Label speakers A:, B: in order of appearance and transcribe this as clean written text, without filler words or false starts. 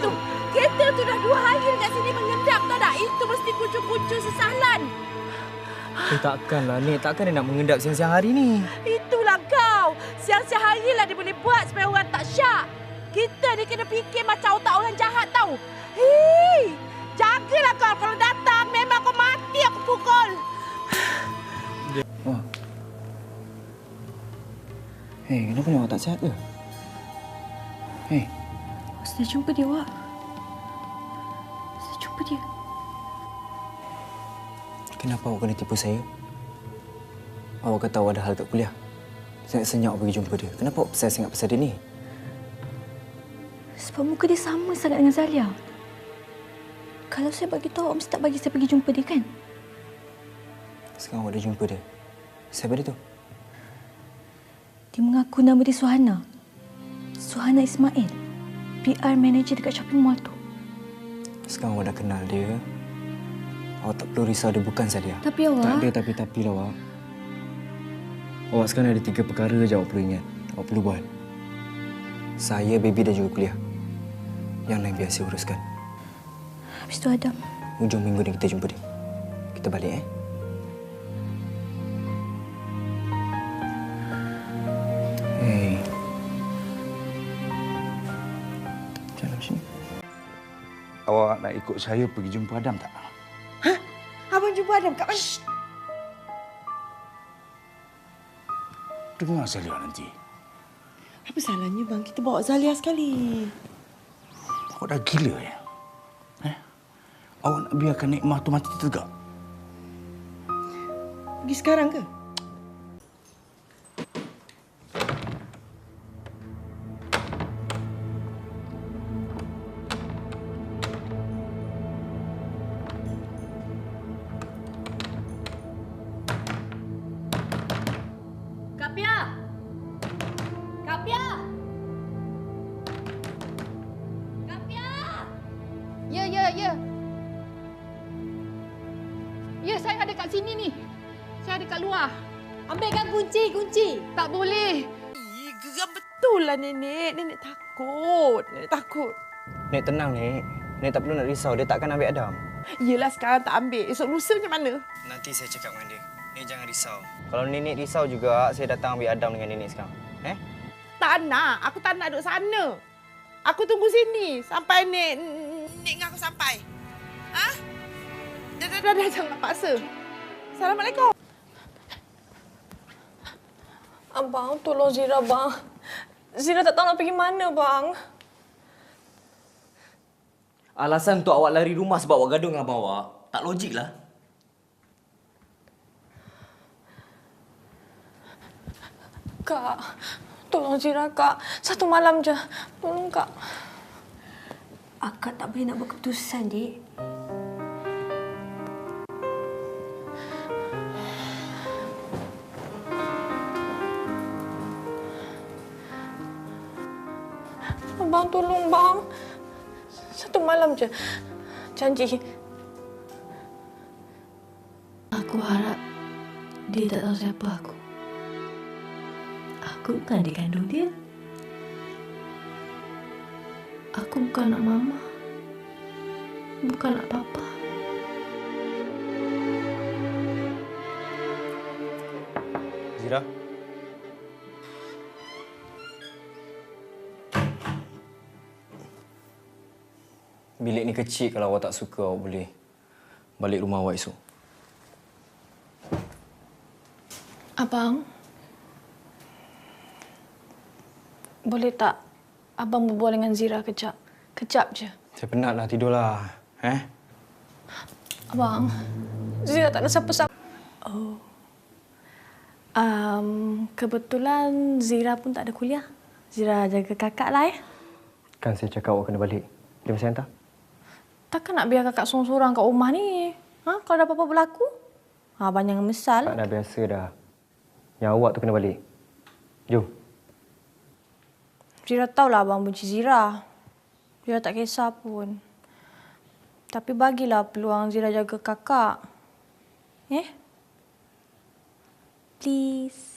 A: tu. Kita tu dah 2 hari dekat sini mengendap tau tak? Itu mesti kucu-kucu sesalan.
B: Takkanlah, Nek. Takkan dia nak mengendap siang-siang hari ni.
A: Itulah kau. Siang-siang hari lah dia boleh buat supaya orang tak syak. Kita ni kena fikir macam otak orang jahat tau. Hei, jagalah kau. Kalau datang memang kau mati aku pukul.
B: Oh. Hei, kenapa ni awak tak sihat ke? Hei.
C: Saya jumpa dia, Wak. Saya jumpa dia.
B: Kenapa awak kena tipu saya? Awak kata awak ada hal kat kuliah. Senyap-senyap awak pergi jumpa dia. Kenapa awak saya sangat pasal dia ni?
C: Sebab muka dia sama sangat dengan Zalia. Kalau saya bagi tahu, awak mesti tak bagi saya pergi jumpa dia, kan?
B: Sekarang awak dah jumpa dia. Siapa dia tu?
C: Dia mengaku nama dia Suhana. Suhana Ismail. PR manager dekat shopping mall tu.
B: Sekarang awak dah kenal dia. Awak tak perlu risau dia bukan Zalia.
C: Tapi awak...
B: Tak ada tapi-tapi lah, awak. Awak sekarang ada 3 perkara je awak perlu ingat. Awak perlu buat. Saya, baby dan juga kuliah. Yang lain biar saya uruskan.
C: Habis tu Adam.
B: Hujung minggu ni kita jumpa dia. Kita balik, Hei. Jalan sini.
D: Awak nak ikut saya pergi jumpa Adam tak?
A: Hah? Abang jumpa Adam kat mana?
D: Dengar Zalia nanti.
A: Apa salahnya bang? Kita bawa Zalia sekali.
D: Awak dah gila ya? Awak nak biarkan nikmah tu mati tegak?
A: Pergi sekarang ke?
C: Kapia! Kapia! Kapia!
E: Ya. Ya, saya ada kat sini ni. Saya ada kat luar.
C: Ambilkan kunci.
E: Tak boleh.
A: Geram betul lah nenek. Nenek takut.
B: Nek, tenang, Nek. Nek tak perlu nak risau. Dia takkan ambil Adam.
A: Yelah sekarang tak ambil. Esok lusa macam mana?
B: Nanti saya cakap dengan dia. Nek jangan risau. Kalau Nenek risau juga, saya datang ambil Adam dengan Nenek sekarang.
A: Tak nak. Aku tak nak duduk sana. Aku tunggu sini sampai Nek dengan aku sampai. Ha? Dah, jangan paksa. Assalamualaikum.
F: Abang, tolong Zira, bang. Zira tak tahu nak pergi mana, bang.
G: Alasan untuk awak lari rumah sebab awak gaduh dengan abang awak, tak logik lah.
F: Kak, tolong Zira, Kak. 1 malam je. Tolong, Kak.
C: Akak tak boleh nak buat keputusan, Dik.
F: Abang, tolong, bang. 1 malam je. Janji.
C: Aku harap dia tak tahu siapa aku. Aku bukan adik kandung dia. Aku bukan anak mama. Bukan anak papa.
B: Zira? Bilik ni kecil. Kalau awak tak suka, awak boleh balik rumah awak esok.
F: Abang, boleh tak abang berbual dengan Zira kejap? Kejap je.
B: Saya penatlah, tidurlah.
F: Abang, Zira tak ada siapa-siapa. Oh. Kebetulan Zira pun tak ada kuliah. Zira jaga kakak lah,
B: Kan saya cakap awak kena balik. Dia masih hantar?
F: Takkan nak biar kakak sorang-sorang kat rumah ni? Kalau ada apa-apa berlaku? Abang jangan mesal.
B: Tak, dah biasa dah. Yang awak tu kena balik. Jom.
F: Zira tahulah abang benci Zira. Zira tak kisah pun. Tapi bagilah peluang Zira jaga kakak. Please.